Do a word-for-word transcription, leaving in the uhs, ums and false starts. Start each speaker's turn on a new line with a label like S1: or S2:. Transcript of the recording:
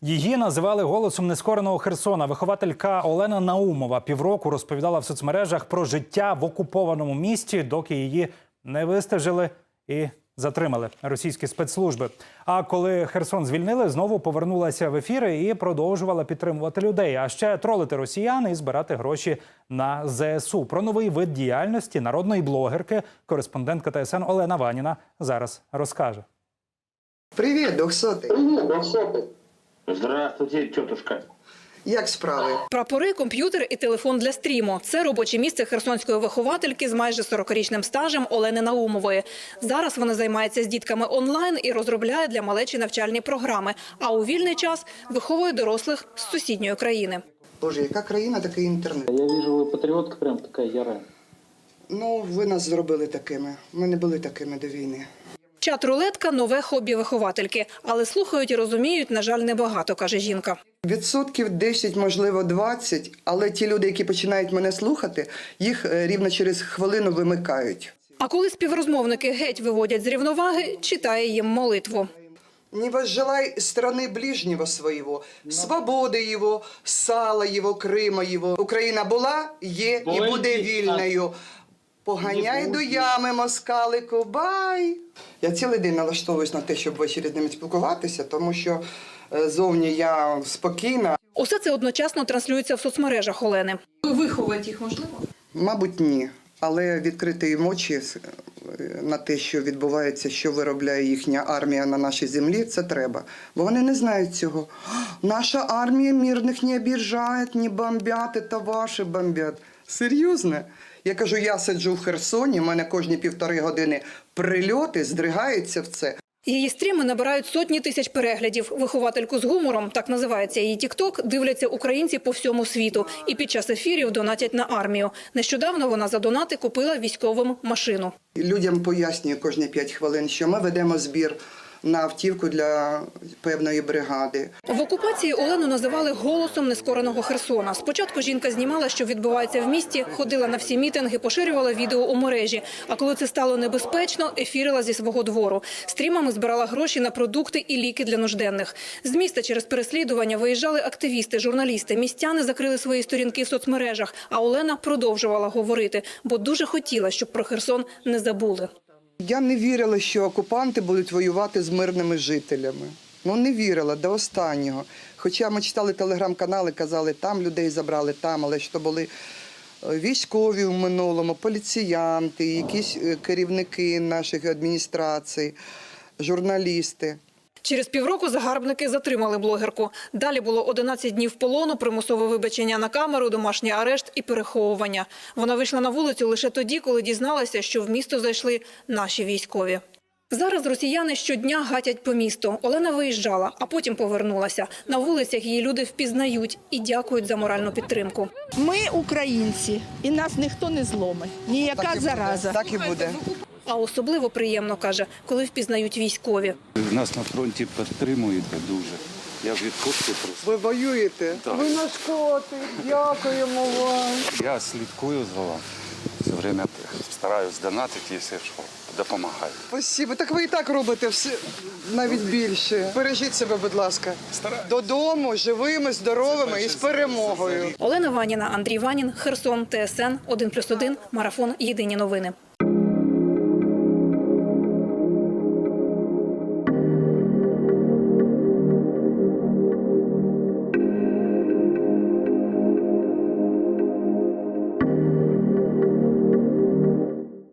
S1: Її називали голосом нескореного Херсона. Вихователька Олена Наумова півроку розповідала в соцмережах про життя в окупованому місті, доки її не вистежили і затримали російські спецслужби. А коли Херсон звільнили, знову повернулася в ефіри і продовжувала підтримувати людей. А ще тролити росіян і збирати гроші на зе ес у. Про новий вид діяльності народної блогерки кореспондентка Те Ес Ен Олена Ваніна зараз розкаже.
S2: Привіт, двохсотий.
S3: Привіт, двохсотий. Здравствуйте, тетушка.
S2: Як справи?
S4: Прапори, комп'ютер і телефон для стріму – це робоче місце херсонської виховательки з майже сорокарічним стажем Олени Наумової. Зараз вона займається з дітками онлайн і розробляє для малечі навчальні програми, а у вільний час виховує дорослих з сусідньої країни.
S2: Боже, яка країна, такий інтернет.
S3: Я вижу, ви патріотка прям така яра.
S2: Ну, ви нас зробили такими. Ми не були такими до війни.
S4: Чат-рулетка – нове хобі виховательки. Але слухають і розуміють, на жаль, небагато, каже жінка.
S2: Відсотків десять, можливо, двадцять, але ті люди, які починають мене слухати, їх рівно через хвилину вимикають.
S4: А коли співрозмовники геть виводять з рівноваги, читає їм молитву.
S2: «Не возжелай страны ближнего своего, свободи его, сала его, Крима его. Україна була, є і буде вільною. Поганяй до ями, москалику, бай!» Я цілий день налаштовуюсь на те, щоб ввечері з ними спілкуватися, тому що зовні я спокійна.
S4: Усе це одночасно транслюється в соцмережах Олени. Виховувати їх можливо?
S2: Мабуть, ні. Але відкрити їм очі на те, що відбувається, що виробляє їхня армія на нашій землі, це треба. Бо вони не знають цього. Наша армія мирних не обіжає, не бомбять, це ваші бомбять. Серйозно? Я кажу, я сиджу в Херсоні, в мене кожні півтори години прильоти, здригаються в це.
S4: Її стріми набирають сотні тисяч переглядів. Виховательку з гумором, так називається її тік-ток, дивляться українці по всьому світу. І під час ефірів донатять на армію. Нещодавно вона за донати купила військовим машину.
S2: Людям пояснюю кожні п'ять хвилин, що ми ведемо збір на автівку для певної бригади.
S4: В окупації Олену називали голосом нескореного Херсона. Спочатку жінка знімала, що відбувається в місті, ходила на всі мітинги, поширювала відео у мережі. А коли це стало небезпечно, ефірила зі свого двору. Стрімами збирала гроші на продукти і ліки для нужденних. З міста через переслідування виїжджали активісти, журналісти. Містяни закрили свої сторінки в соцмережах. А Олена продовжувала говорити, бо дуже хотіла, щоб про Херсон не забули.
S2: Я не вірила, що окупанти будуть воювати з мирними жителями. Ну, не вірила до останнього. Хоча ми читали телеграм-канали, казали, там людей забрали, там, але що були військові в минулому, поліціянти, якісь керівники наших адміністрацій, журналісти.
S4: Через півроку загарбники затримали блогерку. Далі було одинадцять днів полону, примусове вибачення на камеру, домашній арешт і переховування. Вона вийшла на вулицю лише тоді, коли дізналася, що в місто зайшли наші військові. Зараз росіяни щодня гатять по місту. Олена виїжджала, а потім повернулася. На вулицях її люди впізнають і дякують за моральну підтримку.
S5: Ми українці, і нас ніхто не зломить. Ніяка
S2: Так і
S5: зараза.
S2: буде, так і буде.
S4: А особливо приємно, каже, коли впізнають військові.
S6: Нас на фронті підтримують дуже. Я від кошти просто.
S2: Ви воюєте?
S6: Так.
S2: Ви наш котик, дякуємо вам.
S6: Я слідкую за вами. Все время стараюсь донатити, якщо що, допомагаю.
S2: Спасибо. Так ви і так робите все, навіть більше. Бережіть себе, будь ласка.
S6: Стараюсь.
S2: Додому, живими, здоровими і з перемогою.
S4: Олена Ваніна, Андрій Ванін, Херсон, Те Ес Ен, один плюс один, Марафон, Єдині новини.